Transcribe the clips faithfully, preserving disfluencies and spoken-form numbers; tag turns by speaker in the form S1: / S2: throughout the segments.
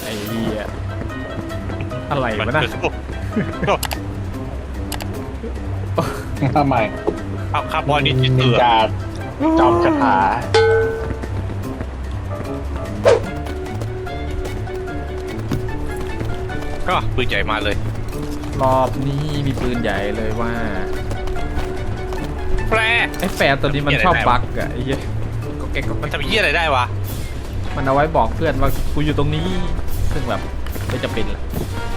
S1: อ้เหี้ยอะไรวะน่ะ
S2: ทำไม
S3: เอาคาร์บอนนี่จิต
S2: นิ
S3: เตื
S2: น
S3: อ
S2: จาจอมคาถา
S3: ก็ปืนใหญ่มาเลย
S1: รอบนี้มีปืนใหญ่เลยว่า
S3: แปร
S1: ไอ้แฟนตัวนี้มันชอบบั๊กอะไอ้เหี้ยก็แกก็
S3: มันทำยี่อะไรได้วะ
S1: มันเอาไว้บอกเพื่อนว่ากูอยู่ตรงนี้ซึ่งแบบไม่จำเป็นแหละ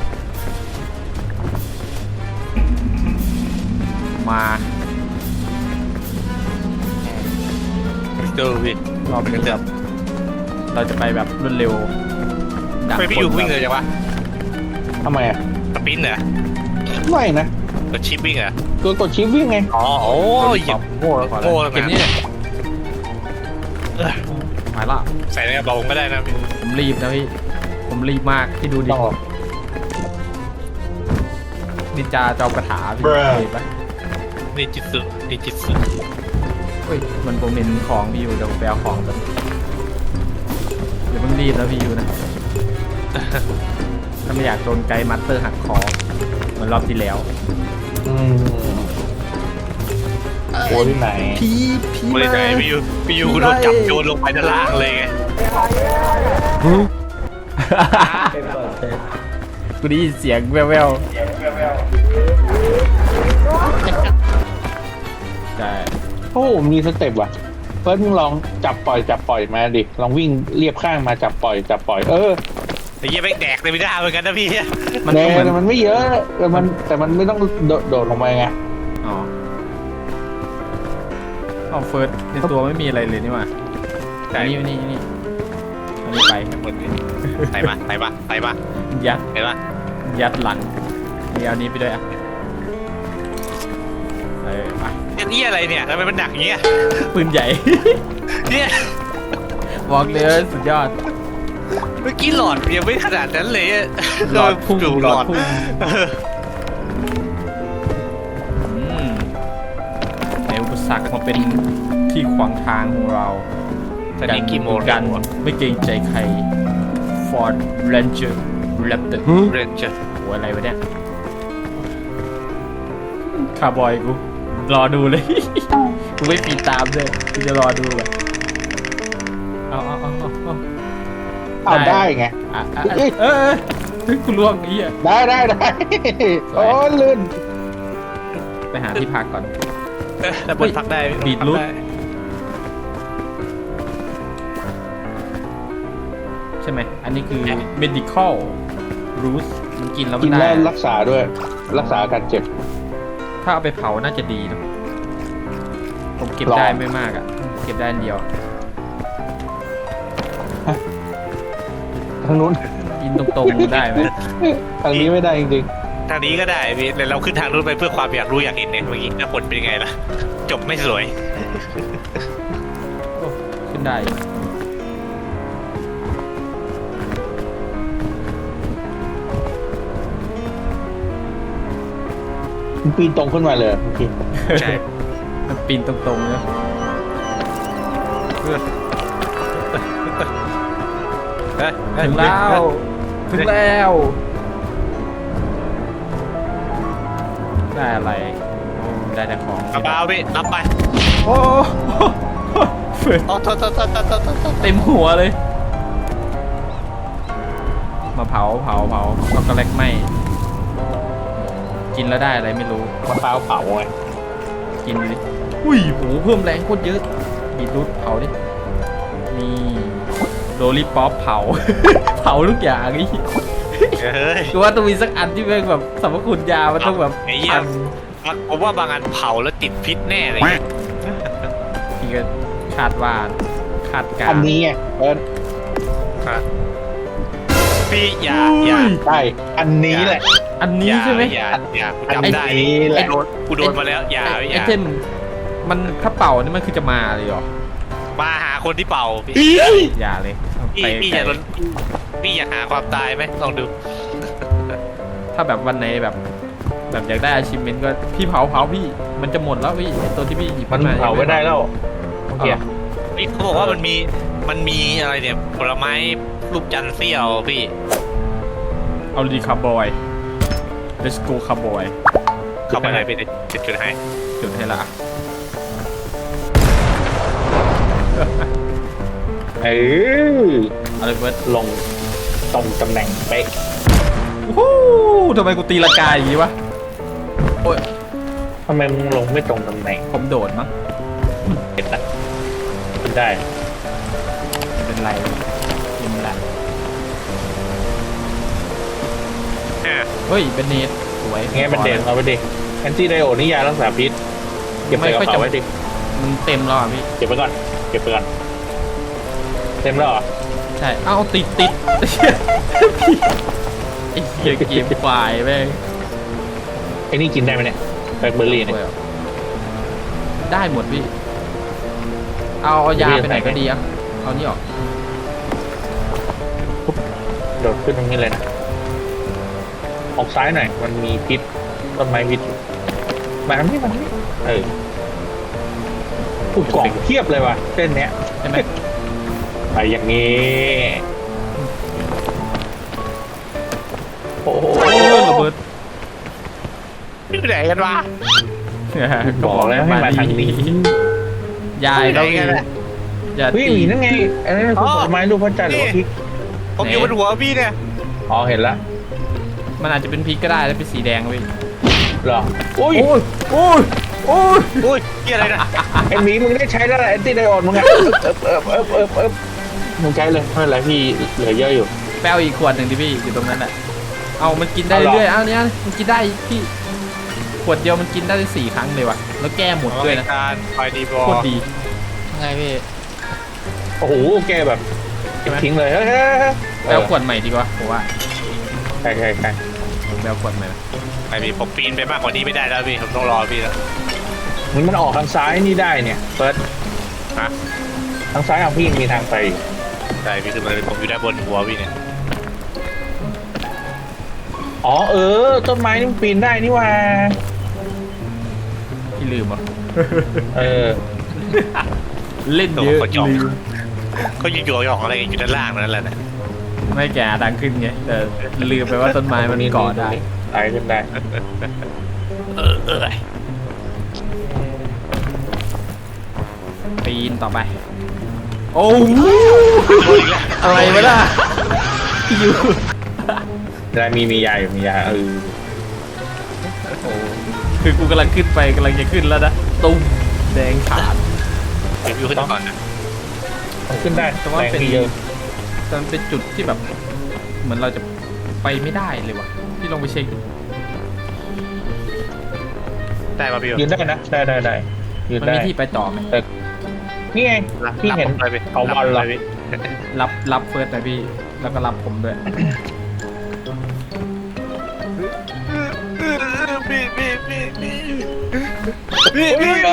S1: มา
S3: เจอพี่
S1: รอบนี้แบบเราจะไปแบบรวดเร็วดัก
S3: ไม่พี่อยู่วิ่งเลยจังวะ
S2: ทำไมอ่ะ
S3: สปินเหรอ
S2: ไม่นะ
S3: กดชิปวิ่งเหรอ
S2: ตัวกดชิปวิ่งไง
S3: อ๋อโอ้ย
S1: ตอบโง่แล้ว
S3: โง่แล้ว
S1: เกมนี้เนี่ย
S3: เออ
S1: หมายละ
S3: ใส่ในกระเป๋าผมก็ได้นะพี่
S1: ผมรีบนะพี่ผมรีบมากที่ดูดิ
S2: ต้องหรอก
S1: นินจาจอมกระถาพี่
S2: Bruh
S1: เห็นปะ
S3: นี่จิตสึนี่จิตสึ
S1: เฮ้ยมันผมเห็นของพี่อยู่เดี๋ยวผมไปเอาของกันเดี๋ยวเพิ่งรีบนะพี่อยู่นะ ถ้าไม่อยากโดนไกด์มัตเตอร์หักคอเหมือนรอบที่แล้ว
S2: อืมโอ้ที่ไหน
S1: พี่พี่
S3: ไม่ได้ใจพี่อยู่พี่อยู่โดนจับโยนลงไปด้านล่างเลยไง
S1: กูได้ยินเสียงแว่วๆใช่
S2: โอ้มีสเต็ปว่ะเฟิร์สมึงลองจับปล่อยจับปล่อยมาดิลองวิ่งเรียบข้างมาจับปล่อยจับปล่อยเออ
S3: ไอ้เหี้ยแม่งแดกเลยไม่ได้เหมือนกันนะพี่
S1: มัน
S2: แต่
S1: ก็เหมือน
S2: มันไม่เยอะแต่มันแต่มันไม่ต้องโดดโดดลงไปไง
S1: อ๋อเอาเฟิร์สในตัวไม่มีอะไรเลยนี่หว่า
S3: ใช่
S1: อันนี่นี่นี่อันนี้ไป
S3: หมดเลยใส่มาใส่มาใส่มา
S1: ยัด
S3: เห็นปะ
S1: ยัดหลังนี่เอานี้ไปด้วยอ่ะเออไป
S3: ไอ้เหี้ยอะไรเนี่ยทำไมมันหนักอย่างเงี้ย
S1: ปืนใหญ่
S3: เนี่ย
S1: บอกเลยว่าสุดยอด
S3: เมื่อกี้หลอดยังไม่ขนาดนั้นเลยอะ
S1: หลอดพุ่ง
S3: ดู
S1: ห
S3: ห
S1: ล
S3: ล
S1: อ
S3: อ
S1: ด
S3: ด
S1: พุ่ง
S3: เออ
S1: อืมในอุปสรรคมาเป็นที่ขวางทางของเรา
S3: ตอนนี้กี่โมง
S1: กันไม่เกรงใจใคร Ford Ranger Raptor
S3: เรนเจอร์
S1: โหอะไรวะเนี่ยคาร์บอยกูรอดูเลย กูไม่ปีตามด้วยกูจะรอดูเลยเอาเอาเอาเอาเอา
S2: เอาได้ไง
S1: อ่ะอ่ะอ่ะเออเออเฮ้ยกูล่วงไอ้เหี้ย
S2: ได้ได้ได้โอ้ลื่น
S1: ไปหาที่พักก่อน
S3: แต่บนพักได้
S1: บีทรูท ใช่ไหมอันนี้คือ medical root มันกินแล้วมั
S2: กิ
S1: น
S2: น
S1: ได้
S2: แล้วรักษาด้วย รักษาอาการเจ็บ
S1: ถ้าเอาไปเผาน่าจะดีนะผมเก็บ
S2: ลอง
S1: ได้ไม่มากอ่ะ เก็บได้อันเดียว
S2: ทางนู้น
S1: กินตรงๆได้ไหม
S2: ทางนี้ไม่ได้จริง
S3: ทางนี้ก็ได้พี่แต่เราขึ้นทางนู้นไปเพื่อความอยากรู้อยากเห็นเนี่ยเมื่อกี้ถ้าผลเป็นยังไงล่ะ จบไม่สวย
S1: โอ้ขึ้นได้อยู่
S2: ๆมันปีนตรงขึ้นมาเลยเมื่อกี้
S3: ใช่
S1: มันปีนตรงๆเนอะ
S3: เฮ้ย
S1: ถึงแล้ว ถึงแล้ว ได้อะไรโอ้ได้แต่ของ
S3: กระเป๋าพี่รับไป
S1: โอ้เฟิร์ส
S3: อ๋อโทษโทษโทษโทษโทษโทษโทษ
S1: เต็มหัวเลย มาเผาเผาเผาช็อกโกแลตไหมกินแล้วได้อะไรไม่รู้
S2: มะพร้าวเผาไง
S1: กินดิอุ้ยโหเพิ่มแรงโคตรเยอะบีทรูทเผาดิ นี่โดลี่ป๊อปเผา เผาทุกอย่างนี่
S3: เฮ้ย
S1: คือว่าต้องมีสักอันที่เป็นแบบสรรพคุณยา มันต้องแบบ
S3: ไอ้เหี้ย
S1: พัน
S3: ผมว่าบางอันเผาแล้วติดพิษแน่เลย
S1: พี่ก็คาดว่าคาดการ
S2: อันนี้ไงเอิร์ธ
S3: พี่อย่าอย่า
S2: ได้อันนี้แหละ
S1: อันนี้ใช่ไหม
S3: อย่าอย่ากู
S2: อัน
S3: จำได้
S2: นี้แหละ
S3: กูโดนกูโดนมาแล้วอย่า
S1: ไอ
S3: อย่า
S1: เทมมันถ้าเป่านี่มันคือจะมาเลยเหรอ
S3: มาหาคนที่เป่าพี่
S1: อย่าเลยเอา
S3: พี่
S1: ไป
S3: พี่อย่าโดนพี่อยากหาความตายไหมลองดู
S1: ถ้าแบบวันไหนแบบ แบบอยากได้อาชิเมนก็พี่เผาเผาพี่ มันจะหมดแล้วพี่ไอ้ตัวที่พี่หยิบ
S2: มัน
S1: ขึ้า
S2: เผาไม่ได้แล้วโอเค
S1: เอา
S3: พี่เขาบอกว่ามันมีมันมีอะไรเนี่ยผลไม้รูปจันทร์เสี้ยวพี่
S1: เอาดีคาร์บอย let's go คาร์บอย
S3: เข้าไปเลยพี่จุดจุดให้
S1: จุดให้ละ
S2: เออ
S1: เอาเลยเฟิร์ส
S2: ลงตรงตำแหน่งเป๊ะ
S1: โอ้โหทำไมกูตีละกาอย่างนี้วะโอ้ย
S2: ทำไมมึงลงไม่ตรงตำแหน่ง
S1: ผมโดดมั้ง
S2: เห็นนะขึ้นได้
S1: เป็นไรยิงละ
S3: อ่ะ
S1: เฮ้ยเป็นเนตสวย
S2: ไงมันเด่นเอาไปดิแอนตี้ไดโอนี่ยารักษาพิษเก็บใส่กระเป๋าไว้ดิ
S1: มันเต็มแล้วอ่ะพี่
S2: เก็บไปก่อนเก็บไปก่อนเต็มแล้วเหรอ
S1: ใช่เอ้าติดติดพี่ไอ้เหี้ยเกมควายแม่ง
S2: ไอ้นี่กินได้ไหมเนี่ยแบล็คเบอร์รี่เนี่ย
S1: ได้หมดพี่ เอาเอายาไปไหนก็ดีอ่ะเอานี่ออก
S2: โดดขึ้นตรงนี้เลยนะออกซ้ายหน่อยมันมีพิษต้นไม้พิษอยู่มาทางนี้มาทางนี้เอออุดกล่องเทียบเลยว่ะเส้นเนี้ย
S1: ใช่ไหม
S2: ไปอย่างนี้โอ้โห
S1: โอ้ยระเบิด
S3: พี่ไหนกันวะ
S2: บอกแล้วให้มาทางนี้
S1: ยายเราอีกอย่า
S2: เฮ้ย
S1: ตี
S2: หมีนั่นไงอันนั้นคือผลไม้รูปพระจันทร์หรือว่าพริก
S3: ผมอยู่บนหัวพี่เนี่ย
S2: อ๋อเห็นละ
S1: มันอาจจะเป็นพริกก็ได้แล้วเป็นสีแดงพี่
S2: เหรออุ้ย
S1: โอ้ยโอ้ยโอ้ย
S3: อุ้ยเกี่ยอะไรนะ
S2: ไอหมีมึงได้ใช้แล้วแหละแอนตี้ไดโออนมึงอะเอิบเอิบเอิบเอิบเอิบมึงใช้เลยไม่เป็นไรพี่เหลือเยอะอยู่
S1: แปลอีกขวดหนึ่งดิพี่อยู่ตรงนั้นแหละเอามันกินได้
S2: เอาเหรอ
S1: เรื่อยๆเอาเนี้ยมันกินได้พี่ขวดเดียวมันกินได้สี่ครั้งเลยว่ะแล้วแก้หมดด้วยนะ
S3: การไฟดีบอ
S1: โค
S3: ล
S1: ตรดีไงพี่
S2: โอ้โหแกแบบ
S1: ใช่ไหม
S2: ทิ้งเลยเฮ้ยเฮ้ยเฮ้ย
S1: แปลขวดใหม่ดีกว่าผมว่า
S2: ใช่ใช่ใช่
S1: แปลขวดใหม่นะ
S3: ไม่มีผมปีนไปมากกว่านี้ไม่ได้แล้วพี่ผมต้องรอพี่แล้ว
S2: มันมันออกทางซ้ายนี่ได้เนี่ยเฟิร์ส
S3: ฮะ
S2: ทางซ้ายของพี่มีทางไปอยู่
S3: ใช่พี่คือมันผมอยู่ด้านบนหัวพี่เนี่ย
S2: อ๋อเออต้นไม้นี่มันปีนได้นี่หว่า
S1: พี่ลืมอ่ะ
S2: เออ
S1: เล่นเยอะ
S3: ก็จอง
S1: ลืม
S3: ก็อยู่อยู่หยองอะไรอยู่ด้านล่างนั่นแหละนะ
S1: ไม่แก่ดังขึ้นไงแต่ลืมไปว่าต้นไม้มันเกาะได้
S2: ไต่ขึ้นได้
S3: เออเออ
S1: ปีนต่อไป โอ้โหอะไรวะล่ะอยู่
S2: ได้มีมียาอยู่มียาเออ
S1: โอ้คือกูกำลังขึ้นไปกำลังจะขึ้นแล้วนะตุ้มแดงขาด
S3: เดี๋ยวพี่ขึ้นก่อนนะ
S2: ต้องขึ้นได้
S1: แต่ว่า
S2: แรง
S1: เป็น
S2: ที่เยอะ
S1: แต่มันเป็นจุดที่แบบ เหมือนเราจะไปไม่ได้เลยว่ะพี่ลองไปเช็คดู
S3: ได้ป่ะพี่
S2: ยืนได้นะได้ได้ได้ยืน
S1: มัน
S2: ได้
S1: มีที่ไปต่อไหม
S2: นี่ไงพี่เห็น
S3: ไปพี่
S2: เอาบอลเหรอ
S3: พี่
S1: รับรับเฟิร์สหน่อยพี่แล้วก็รับผมด้วย
S3: พี่พี่พี่พี่พี่พี่
S2: เฮ้ย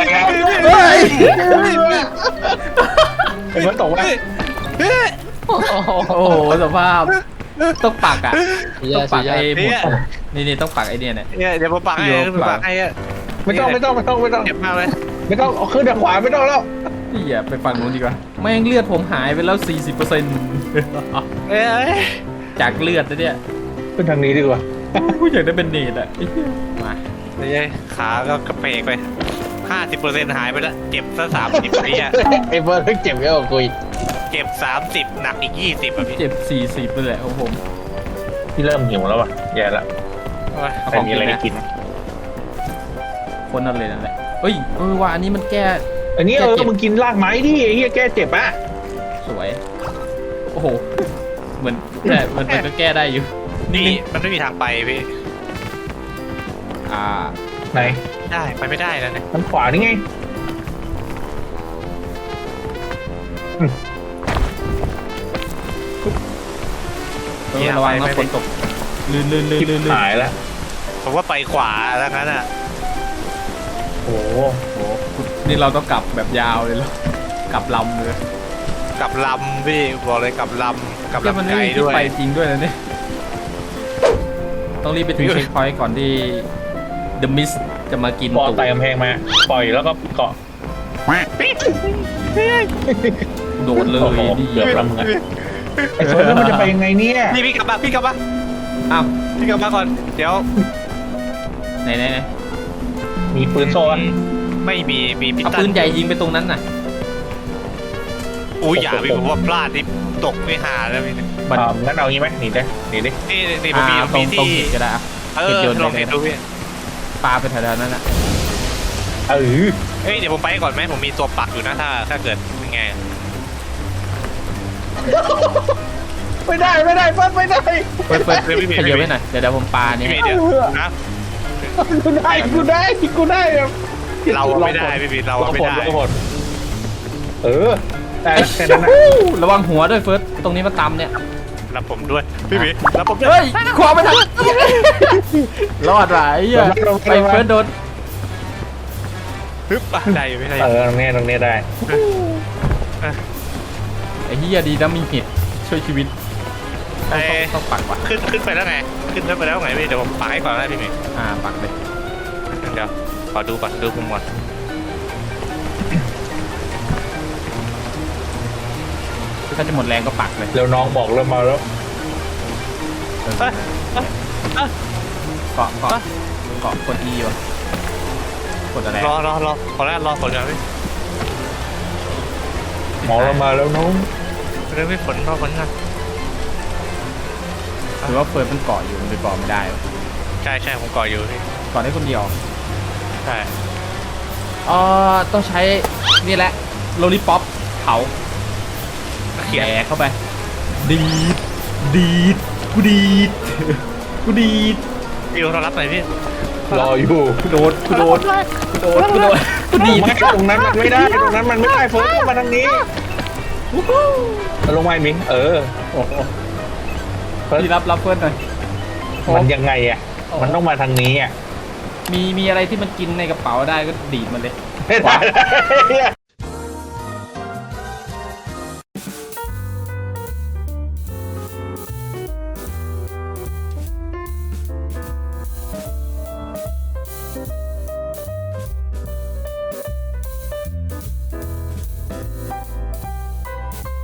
S2: เห็นมันตกว่า
S1: โอ้โหสภาพต้องปักอ่ะต้องปักไอ้หมุดนี่นี่ต้องปักไอ้เนี่ยเนี่ย
S3: เนี่ยเดี๋ยวผมปักให้ผมปักให้อะ
S2: ไม่ต้องไม่ต้องไม่ต้องไม่ต้อง
S3: เจ็บมากเลย
S2: ไม่ต้องเอาขึ้นทางขวาไม่ต้องแล้ว
S1: พี่อย่าไปฝั่งนู้นดีกว่าแม่งเลือดผมหายไปแล้ว สี่สิบเปอร์เซ็นต์
S3: เอ้ย
S1: จากเลือดนะเนี่ย
S2: ขึ้นทางนี้ดีกว่า
S1: กูอยากได้เป็นเนตอ่ะไอ้เหี้ยมา
S3: นี่ขาก็กระเพกไปห้าสิบเปอร์เซ็นต์หายไปแล้วเจ็บซะสามสิบไปอ่ะ
S2: ไอ้เบิร์ดเจ็บเยอะกว่ากูอีก
S3: เจ็บสามสิบหนักอีกยี่สิบอ่ะพี่
S1: เจ็บสี่สิบเลยแหละของผม
S2: พี่เริ่มหิวแล้วว่ะแย่ละ
S1: เอา
S2: แต่
S1: ของ
S2: มี
S1: กิ
S2: อะไร
S1: น
S2: ให้
S1: นะ
S2: กิน
S1: คนนั่นเลยนั่นแหละเอ้ยเออว่าอันนี้มันแก้
S2: อันนี้เออมึงกินรากไม้ดิไอ้เหี้ยแก้เจ็บอ่ะ
S1: สวยโอ้โหเหมือนแต่มันมันก็แก้ได้อยู่
S3: นี่มันไม่มีทางไปพี่
S1: อ่า
S2: ไหน
S3: ได้ไปไม่ได้แล้วเนี่ย
S2: ทางขวานี่ไง
S1: เออระวังนะฝนตกลื่นลื่นลื่น
S2: ทิพ
S1: ลื่นลื่น
S2: หายแล้ว
S3: ผมว่าไปขวาแล้วงั้นอ่ะ
S2: โอ้โห
S1: โอ้โหนี่เราต้องกลับแบบยาวเลยเหรอ กลับลำเลย
S3: กลับลำพี่บอกเลยกลับลำกลับ
S1: แล้วมัน
S3: ลำ
S1: ไม่
S3: ไกล
S1: มีที่
S3: ด้วย
S1: ไปจริงด้วยนะเนี่ย ต้องรีบไปถึงเช็คพอยต์ก่อนที่ The Mist จะมากิน
S2: ปอ
S1: ตูด
S2: ไต่กำแพงมา ปล่อยแล้วก็เกาะ
S1: โดดเลย
S2: โอ้โห
S1: ดี
S2: เกือบแล้วมึงอะไอ้เฟิร์สแล้วมันจะไปยังไงเนี่ย
S3: พี่พี่กลับมาพี่กลับมา
S1: อ้าว
S3: พี่กลับมาก่อนเดี๋ยว
S1: ไหนไหนไหน
S2: มีปืนโซ่อะ
S3: ไม่มีมีพิ
S1: เอา
S3: ตั
S1: ปื
S3: น
S1: นใหญ่ยิงไปตรงนั้นน่ะ
S3: อุ้ยอย่าพี่ผมว่าพลาดนี่ตกไม่หาแล้วพี่
S1: มัน
S2: อ่างั้นเอางี้ไหมหนีได้หนีดิ
S3: นี่นี่ผมมี
S1: อ่า
S3: ผม
S1: ตรง
S3: มี
S1: ตรง
S3: ที่
S1: หินก็ได้อะ
S3: เอ
S1: เก็บ
S3: อ
S1: โยน
S3: ลอง
S1: ไป
S3: เห็น
S1: เลย
S3: ดูพี่
S1: ปลาไปแถวๆนั้นน่ะ
S2: เออ
S3: เอ้ยเดี๋ยวผมไปก่อนไหมผมมีตัวปักอยู่นะถ้าถ้าเกิดยังไง
S2: ไม่ได้ไม่ได้เฟิร์สไม่ได้
S1: เปิดเปิด
S3: เดี๋ยวพี่
S1: ขยับไว้หน่อยเดี๋ยวเดี๋ยวผมปลาเนี่
S3: พี่
S1: ย
S3: เมย์เดี๋ยวนะ
S2: กูได้กูได้กูได้แบบ
S3: เราอะไม่ได้พี่เมย์เราอะไม่ได้
S2: ลองผลเออได้แค่นั้นนะ
S1: ระวังหัวด้วยเฟิร์สตรงนี้มันต่ำเนี่ย
S3: รับผมด้วยพี่เมย์รับผมด้วย
S1: เฮ้ยขวาไม่ทันรอดว่ะไอ้เหี้ยไปเฟิร์สโดน
S3: ฮึบอ่ะได้อยู่ไม่ได้
S2: เออตรงนี้ตรงนี้ได้
S1: ไอ้เหี้ยดีนะมีเห็ดช่วยชีวิตต้
S3: ไอ้
S1: องต้องต้องปักว่ะ
S3: ขึ้นขึ้นไปแล้วไงขึ้นไปแล้วไงพี่เดี๋ยวผมปักให้ก่อนได้พี่เมย์
S1: อ่าปักเลย
S3: เดี๋ยวขอดูก่อนดูมุมก่อน
S1: ถ้าจะหมดแรงก็ปักเลย
S2: เร็วน้องบอกเริ่มมาแล้ว
S1: เออ
S3: เอ้ยเอ้ยเอ้ย
S1: เกาะเกาะเกาะกด E วะกดอะไร
S3: รอรอรอขอแรกรอฝนก่อนพี่
S2: หมอเรามาแล้วน้อง
S3: เรื่องพี่ฝนรอฝนก่อน
S1: หรือว่าเฟิร์สมันเกาะอยู่มันไปเกาะไม่ได้วะ
S3: ใช่ใช่ผมก่ออยู่พี่
S1: เกาะได้คนเดียว
S3: ใช่
S1: เอ่อต้องใช้นี่แหละโลลิป๊อปเผา
S3: เขียน
S1: แย่เข้าไป ดีดดีดกูดีดกูดีด
S3: พี่เรารับหน่อยพี่
S2: รออยู่
S1: กูโดดกูโดดกูโดดกูโดดกูดีด
S2: ไม่ตรงนั้นมันไม่ได้ตรงนั้นมันไม่ได้เฟิร์สเข้ามาทางนี้ลงมาอีกมิงเออ
S1: โอ้โห
S2: เฟิร์ส
S1: พี่รับรับเฟิร์สหน่อย
S2: มันยังไงอ่ะมันต้องมาทางนี้อ่ะ
S1: มีมีอะไรที่มันกินในกระเป๋าได้ก็ดีดมันเลย
S2: ไม่ได้